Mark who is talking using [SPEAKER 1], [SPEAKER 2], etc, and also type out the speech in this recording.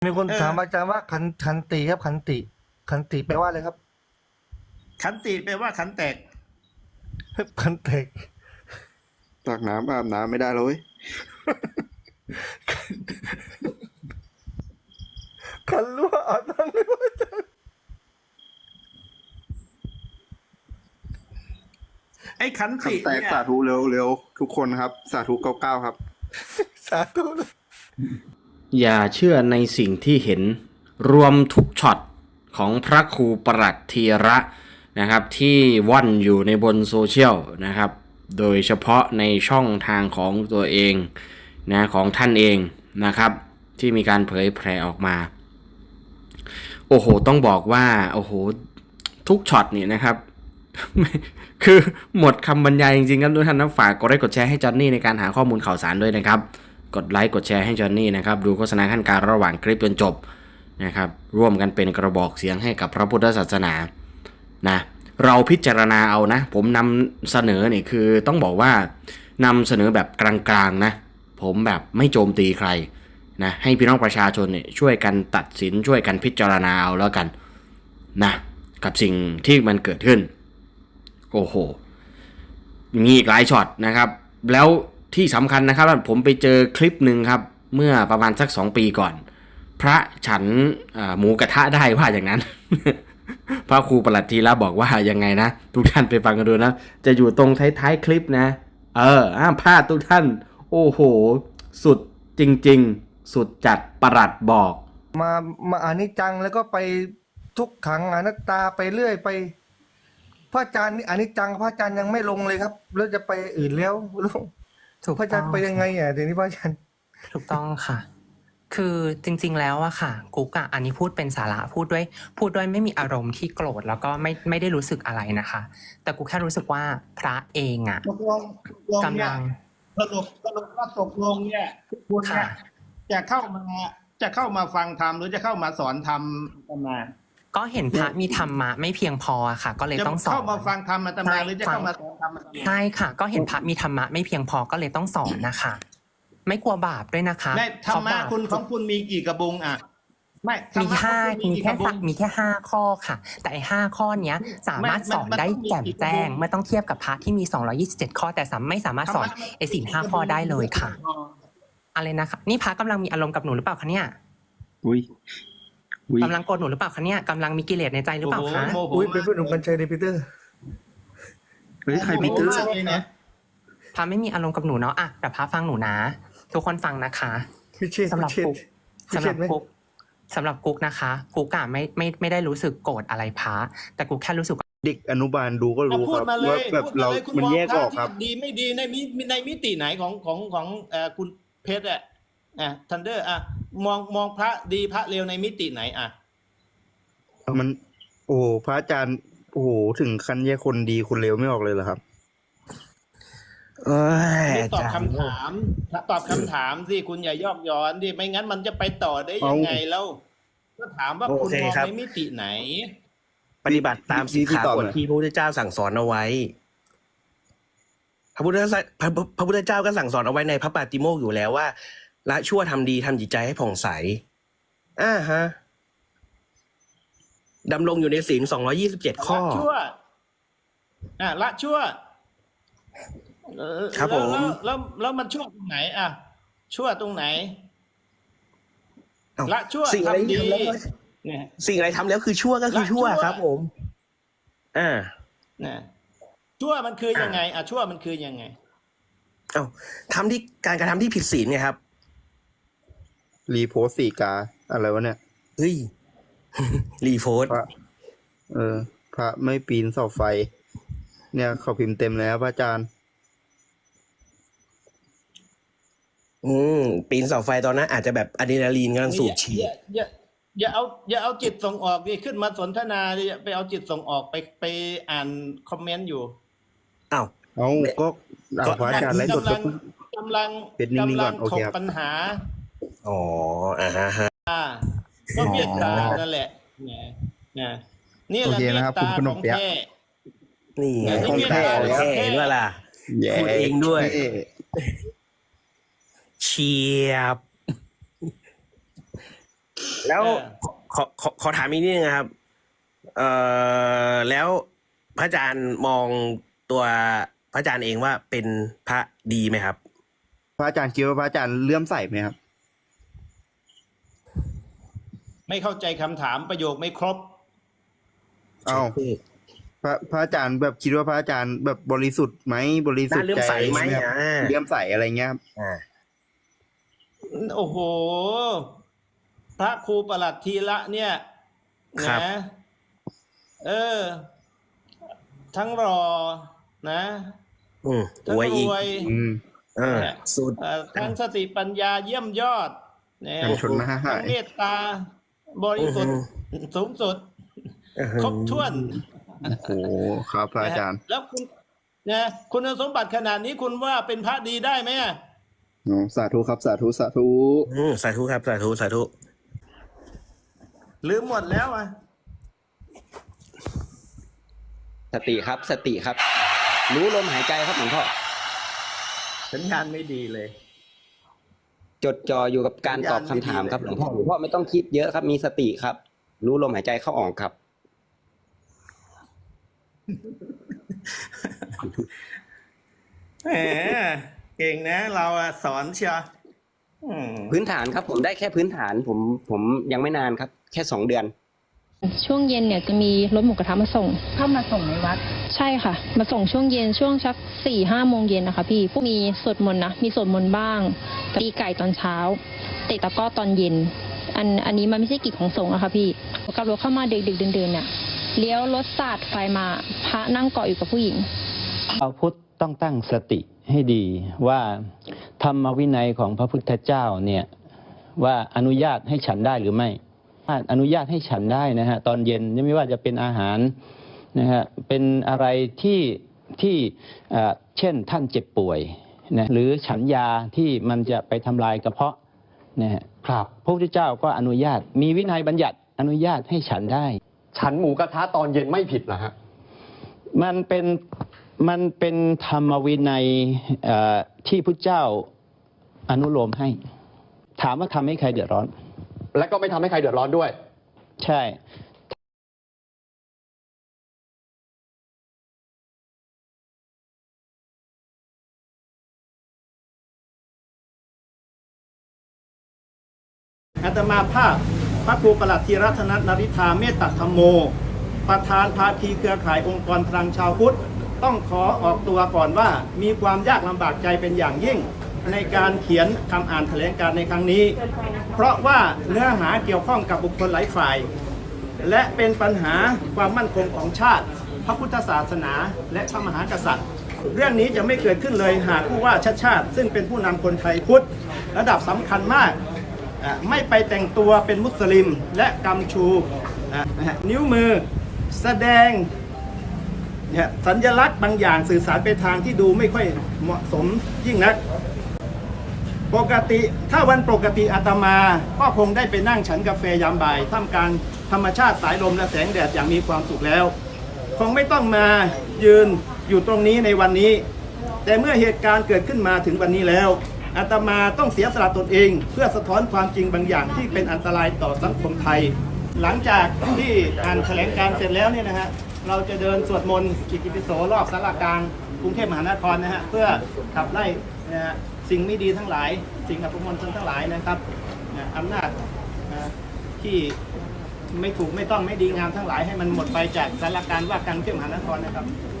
[SPEAKER 1] มีคน
[SPEAKER 2] เออ
[SPEAKER 1] ถามอาจารย์ว่าขันติครับขันติแปลว่าอะไรครับ
[SPEAKER 2] ขันติแปลว่าขันแตก
[SPEAKER 1] ขันแตก
[SPEAKER 3] ตักน้ำอาบน้ำไม่ได้เลย
[SPEAKER 1] ขันรั่วอาบน้ำไม่ว่าอาจารย์
[SPEAKER 2] ไอ้ขันติ
[SPEAKER 3] แตก
[SPEAKER 2] เนี่ย
[SPEAKER 3] สาธุเร็วทุกคนครับ สาธุ99ครับ
[SPEAKER 1] สาธุนะ
[SPEAKER 4] อย่าเชื่อในสิ่งที่เห็นรวมทุกช็อตของพระครูประหลัดธีระนะครับที่ว่อนอยู่ในบนโซเชียลนะครับโดยเฉพาะในช่องทางของตัวเองนะของท่านเองนะครับที่มีการเผยแพร่ออกมาโอ้โหต้องบอกว่าโอ้โหทุกช็อตนี่นะครับ คือหมดคำบรรยายจริงๆครับทุกท่านนะฝากกดไลค์กดแชร์ให้จอนนี่ในการหาข้อมูลข่าวสารด้วยนะครับกดไลค์กดแชร์ให้จอนนี่นะครับดูโฆษณาขั้นกลางระหว่างคลิปจนจบนะครับร่วมกันเป็นกระบอกเสียงให้กับพระพุทธศาสนานะเราพิจารณาเอานะผมนำเสนอเนี่ยคือต้องบอกว่านำเสนอแบบกลางๆนะผมแบบไม่โจมตีใครนะให้พี่น้องประชาชนเนี่ยช่วยกันตัดสินช่วยกันพิจารณาเอาแล้วกันนะกับสิ่งที่มันเกิดขึ้นโอ้โหมีอีกหลายช็อตนะครับแล้วที่สำคัญนะครับผมไปเจอคลิปหนึ่งครับเมื่อประมาณสัก2 ปีก่อนพระฉันหมูกระทะได้ว่าอย่างนั้น พระครูประหลัดธีระบอกว่ายังไงนะทุกท่านไปฟังกันดูนะจะอยู่ตรงท้ายๆคลิปนะห้ามพลาดทุกท่านโอ้โหสุดจริงๆสุดจัดประหลัดบอก
[SPEAKER 1] มาอานิจจังแล้วก็ไปทุกขังอนัตตาไปเรื่อยไปพระอาจารย์นี่อานิจจังพระอาจารย์ยังไม่ลงเลยครับแล้วจะไปอื่นแล้วลง
[SPEAKER 5] ถูก
[SPEAKER 1] พระอาจา
[SPEAKER 5] ต้
[SPEAKER 1] ร
[SPEAKER 5] อง
[SPEAKER 1] ย์ไปยังไงอ่ะเดี๋ยวนี้พระอาจารย์
[SPEAKER 5] ถูกต้องค่ะ คือจริงๆแล้วอะค่ะกุ๊กอะอันนี้พูดเป็นสาระพูดด้วยไม่มีอารมณ์ที่โกรธแล้วก็ไม่ได้รู้สึกอะไรนะคะ แต่กูแค่รู้สึกว่าพระเองอะ
[SPEAKER 2] ตกลงเนี่ย
[SPEAKER 5] กำลัง
[SPEAKER 2] สรุปว่าตกลงเนี่ยคุณเนี่ย
[SPEAKER 5] ค่ะ
[SPEAKER 2] จะเข้ามาฟังธรรมหรือจะเข้ามาสอนธรรมอาตมา
[SPEAKER 5] ก็เห็นพระมีธรรมะไม่เพียงพออะค่ะ ก็เลย
[SPEAKER 2] จะ
[SPEAKER 5] ต้องสอน
[SPEAKER 2] เข้ามาฟังธรรมอาตมาหรือจะ
[SPEAKER 5] ใช่
[SPEAKER 2] เข้ามาสอนธรรมอาตมา
[SPEAKER 5] ใช่ค่ะ ก็เห็นพระมีธรรมะไม่เพียงพอก็เลยต้องสอนนะคะ ไม่กลัวบาปด้วยนะคะ
[SPEAKER 2] ได้ธรรมะ
[SPEAKER 5] เพาบาป
[SPEAKER 2] คุณของคุณมีกี่กระบุงอ่ะไม่ธร
[SPEAKER 5] มี
[SPEAKER 2] รมะของ
[SPEAKER 5] ห้า
[SPEAKER 2] คุณ
[SPEAKER 5] มี
[SPEAKER 2] กี่
[SPEAKER 5] แค่
[SPEAKER 2] กระบุง
[SPEAKER 5] มีแค่5 ข้อค่ะ แต่ไอ้5 ข้อเนี้ยสามารถสอนได้แจ่มแจ้งเมื่อต้องเทียบกับพระที่มี227 ข้อ แต่ไม่สามารถสอนไอ้ศีล5 ข้อได้เลยค่ะ อะไรนะคะนี่พระกำลังมีอารมณ์กับหนูหรือเปล่าคะเนี่ย
[SPEAKER 3] อุ้ย
[SPEAKER 5] กำลังโกรธหนูหรือเปล่าคะเนี่ยกำลังมีกิเลสในใจหรือเปล่าคะ
[SPEAKER 2] โมโห
[SPEAKER 1] อุ้ยเป็นเพื่อนของกัญชัยในปีเตอร์
[SPEAKER 3] เฮ้ยใคร
[SPEAKER 2] โม
[SPEAKER 3] พี
[SPEAKER 2] โห
[SPEAKER 3] เตอร์
[SPEAKER 2] มากเลยนะ
[SPEAKER 5] พระไม่มีอารมณ์กับหนูเนาะอ่ะแต่พระฟังหนูนะ ทุกคนฟังนะคะ
[SPEAKER 1] พิเชษ
[SPEAKER 5] สำหรับ
[SPEAKER 1] พิเชษ
[SPEAKER 5] กุ๊ก
[SPEAKER 1] พิ
[SPEAKER 5] สำ
[SPEAKER 1] เช
[SPEAKER 5] หรั
[SPEAKER 1] ษ
[SPEAKER 5] บ
[SPEAKER 1] ไหม
[SPEAKER 5] กุ๊กสำหรับกุ๊กนะคะกุ๊กอะไม่ได้รู้สึกโกรธอะไรพระแต่กุ๊กแค่รู้สึก
[SPEAKER 3] เด็กอนุบาลดูก็รู้
[SPEAKER 2] พู
[SPEAKER 3] ค
[SPEAKER 2] ด
[SPEAKER 3] รับ
[SPEAKER 2] มาเล
[SPEAKER 3] ว่าย แบบ
[SPEAKER 2] พูด
[SPEAKER 3] เรา
[SPEAKER 2] มาเลยคุณ
[SPEAKER 3] มัน
[SPEAKER 2] มอง
[SPEAKER 3] แยก
[SPEAKER 2] พ
[SPEAKER 3] อ
[SPEAKER 2] ระ
[SPEAKER 3] อกครับ
[SPEAKER 2] ที่ดีไม่ดีในมิติไหนของคุณเพชรอ่ะทันเดอร์อ่ะมองพระดีพระเลวในมิติไหนอ่ะ
[SPEAKER 3] มัน โอ้โหพระอาจารย์โอ้โหถึงขั้นแยกคนดีคนเลวไม่ออกเลยเหรอครับ
[SPEAKER 4] เอ้ย
[SPEAKER 2] ไม่ตอบ
[SPEAKER 4] อาจารย์
[SPEAKER 2] คำถามตอบคำถามสิคุณอย่ายอกย้อนดิไม่งั้นมันจะไปต่อได้ยังไงแล้วก็ถามว่าคุณมองในมิติไหน
[SPEAKER 6] ปฏิบัติตามสิกขาบทที่พระพุทธเจ้าสั่งสอนเอาไว้ พระพุทธเจ้าก็สั่งสอนเอาไว้ในพระปาติโมกข์อยู่แล้วว่าละชั่วทำดีทำจิตใจให้ผ่องใสฮะดำรงอยู่ในศีล227 ข้อ
[SPEAKER 2] ละชั่วละชั่ว
[SPEAKER 6] ครับผม
[SPEAKER 2] แล้วมันชั่วตรงไหนอ่ะ ชั่วตรงไหน
[SPEAKER 6] เอ้า
[SPEAKER 2] ละชั่ว
[SPEAKER 6] สิ่งอะไร
[SPEAKER 2] ทำดี
[SPEAKER 6] ทำแล้ว
[SPEAKER 2] เนี่ย
[SPEAKER 6] สิ่งอะไรทำแล้วคือชั่วก็คือชั่ว
[SPEAKER 2] ละชั่ว
[SPEAKER 6] ครับ ผมอ่า
[SPEAKER 2] นะชั่วมันคือยังไงอ่ะชั่วมันคือยังไง
[SPEAKER 6] เอ้าทำที่การกระทำที่ผิดศีลไงครับ
[SPEAKER 3] รีโพสต์สีกาอะไรวะเนี่ย
[SPEAKER 6] เฮ้ย รีโพสต์
[SPEAKER 3] พระพระไม่ปีนเสาไฟ เนี่ยเขาพิมพ์เต็มแล้วพระอาจารย์
[SPEAKER 6] ปีนเสาไฟตอนนั้นอาจจะแบบอะดรีนาลีนกำลังสูบฉีด
[SPEAKER 2] อย่าเอาจิตส่งออกดิขึ้นมาสนทนาดิไปเอาจิตส่งออกไปอ่านคอมเมนต์อยู่
[SPEAKER 6] อ้าว
[SPEAKER 3] เอาก็พระอาจารย์ไลฟ์สดก็
[SPEAKER 2] กำลัง
[SPEAKER 3] เป็นนิ่งๆก่อนโอ
[SPEAKER 2] ถ
[SPEAKER 3] เค
[SPEAKER 2] ก
[SPEAKER 3] ครับ
[SPEAKER 2] ปัญหา
[SPEAKER 6] อ๋อฮะ
[SPEAKER 2] ก็เมตตานั่นแหละเนี่ยนี่แห
[SPEAKER 3] โอ
[SPEAKER 2] ละ
[SPEAKER 3] เค
[SPEAKER 2] เม
[SPEAKER 3] นะ
[SPEAKER 2] ต
[SPEAKER 3] ครับ
[SPEAKER 2] ตา
[SPEAKER 3] คุณขน
[SPEAKER 2] ข
[SPEAKER 3] ม
[SPEAKER 2] อง
[SPEAKER 3] เปี๊ยะ
[SPEAKER 2] แท้
[SPEAKER 6] นี่ไง
[SPEAKER 2] ของแท้
[SPEAKER 6] ของแท้เห็นว่าล่ะ
[SPEAKER 3] แย่
[SPEAKER 6] พูดเองด้วย
[SPEAKER 3] เท่
[SPEAKER 6] เฉียบแล้ว
[SPEAKER 2] เออ
[SPEAKER 6] ขอถามอีกนิดนึงนะครับ แล้วพระอาจารย์มองตัวพระอาจารย์เองว่าเป็นพระดีไหมครับ
[SPEAKER 3] พระอาจารย์คิดว่าพระอาจารย์เลื่อมใสไหมครับ
[SPEAKER 2] ไม่เข้าใจคำถามประโยคไม่ครบ
[SPEAKER 3] เอ้าพระอาจารย์แบบคิดว่าพระอาจารย์แบบบริสุทธิ์ไหมบริสุทธิ์
[SPEAKER 6] น่าเลื่อม
[SPEAKER 3] ใจ
[SPEAKER 6] ใสไหม
[SPEAKER 3] ครับเลื่อมใสอะไรเงี้ยครับ
[SPEAKER 2] โอ้โห พระครูประหลัดทีละเนี่ย
[SPEAKER 6] ครับ
[SPEAKER 2] นะทั้งรอนะ ทั้ง
[SPEAKER 6] อวย
[SPEAKER 2] ร
[SPEAKER 6] อีก
[SPEAKER 2] วย
[SPEAKER 6] สุด
[SPEAKER 2] ทั้งสติปัญญาเยี่ยมยอดนะ
[SPEAKER 3] ทั้งชนมหาหา
[SPEAKER 2] ทั้ง
[SPEAKER 3] ย
[SPEAKER 2] เมตตา บริสุทธิ์สูงสุด ครบถ้วน
[SPEAKER 3] โอ้โหครับพระอาจารย์
[SPEAKER 2] แล้วคุณนะคุณสมบัติขนาดนี้คุณว่าเป็นพระดีได้ไหมอะ
[SPEAKER 3] โอ้สาธุครับสาธุสาธุ
[SPEAKER 6] สาธุครับ สาธุ สาธุ
[SPEAKER 2] ลืมหมดแล้วอ่ะ
[SPEAKER 7] สติครับสติครับ รู้ลมหายใจครับหลวงพ่อ
[SPEAKER 2] สัญญาณไม่ดีเลย
[SPEAKER 7] จดจ่ออยู่กับการตอบคำถามครับหลวงพ่อไม่ต้องคิดเยอะครับมีสติครับ รู้ลมหายใจเข้าออกครับ
[SPEAKER 2] แหมเก่งนะ เราอะสอนเชียวอืม
[SPEAKER 7] พื้นฐานครับผมได้แค่พื้นฐานผมยังไม่นานครับ แค่ 2 เดือน
[SPEAKER 8] ช่วงเย็นเนี่ยจะมีรถหมูกระทะมาส่ง
[SPEAKER 9] เข้ามาส่งในวัด
[SPEAKER 8] ใช่ค่ะ มาส่งช่วงเย็นช่วงสัก4-5 โมงเย็นนะคะพี่พวกมีสวดมนต์นะมีสวดมนต์บ้างตีไก่ตอนเช้าเตะตะกร้อตอนเย็นอันนี้มันไม่ใช่กิจของสงฆ์อะค่ะพี่กับรถเข้ามาดึกๆเดินๆเนี่ยเลี้ยวรถสาดไฟมาพระนั่งเกาะอยู่กับผู้หญิง
[SPEAKER 10] ชาวพุทธต้องตั้งสติให้ดีว่าธรรมวินัยของพระพุทธเจ้าเนี่ยว่าอนุญาตให้ฉันได้หรือไม่ถ้าอนุญาตให้ฉันได้นะฮะตอนเย็นไม่ว่าจะเป็นอาหารนะฮะเป็นอะไรที่เช่นท่านเจ็บป่วยนะหรือฉันยาที่มันจะไปทำลายกระเพาะนะฮะครับพระพุทธเจ้าก็อนุญาตมีวินัยบัญญัติอนุญาตให้ฉันได้
[SPEAKER 11] ฉันหมูกระทะตอนเย็นไม่ผิดเหรอฮะ
[SPEAKER 10] มันเป็นธรรมวินัยที่พุทธเจ้าอนุโลมให้ ถามว่าทำให้ใครเดือดร้อน
[SPEAKER 11] และก็ไม่ทำให้ใครเดือดร้อนด้วย
[SPEAKER 10] ใช่
[SPEAKER 2] อาตมาภาพพระครูประหลัดธีรธนนริธาเมตตธรรมโม ประธานภาคีเครือข่ายองค์กรพลังชาวพุทธต้องขอออกตัวก่อนว่ามีความยากลำบากใจเป็นอย่างยิ่ง ในการเขียนคำอ่านแถลงการณ์ในครั้งนี้ เพราะว่าเนื้อหาเกี่ยวข้องกับบุคคลหลายฝ่าย และเป็นปัญหาความมั่นคงของชาติ พระพุทธศาสนาและพระมหากษัตริย์ เรื่องนี้จะไม่เกิดขึ้นเลยหากผู้ว่าชาติชาติ ซึ่งเป็นผู้นำคนไทยพุทธระดับสำคัญมากไม่ไปแต่งตัวเป็นมุสลิมและกำชูนิ้วมือแสดงสัญลักษณ์บางอย่างสื่อสารไปทางที่ดูไม่ค่อยเหมาะสมยิ่งนัก ปกติถ้าวันปกติอาตมาก็คงได้ไปนั่งฉันกาแฟยามบ่ายท่ามกลางธรรมชาติสายลมและแสงแดดอย่างมีความสุขแล้ว คงไม่ต้องมายืนอยู่ตรงนี้ในวันนี้ แต่เมื่อเหตุการณ์เกิดขึ้นมาถึงวันนี้แล้วอาตมาต้องเสียสละตนเอง เพื่อสะท้อนความจริงบางอย่างที่เป็นอันตรายต่อสังคมไทย หลังจากที่อ่านแถลงการณ์เสร็จแล้วเนี่ยนะฮะเราจะเดินสวดมนต์อิติปิโสรอบศาลากลางกรุงเทพมหานครนะฮะเพื่อขับไล่นะฮะสิ่งไม่ดีทั้งหลายสิ่งอัปมงคลทั้งหลายนะครับอำนาจที่ไม่ถูกไม่ต้องไม่ดีงามทั้งหลายให้มันหมดไปจากศาลาการว่าการกรุงเทพมหานครนะครับ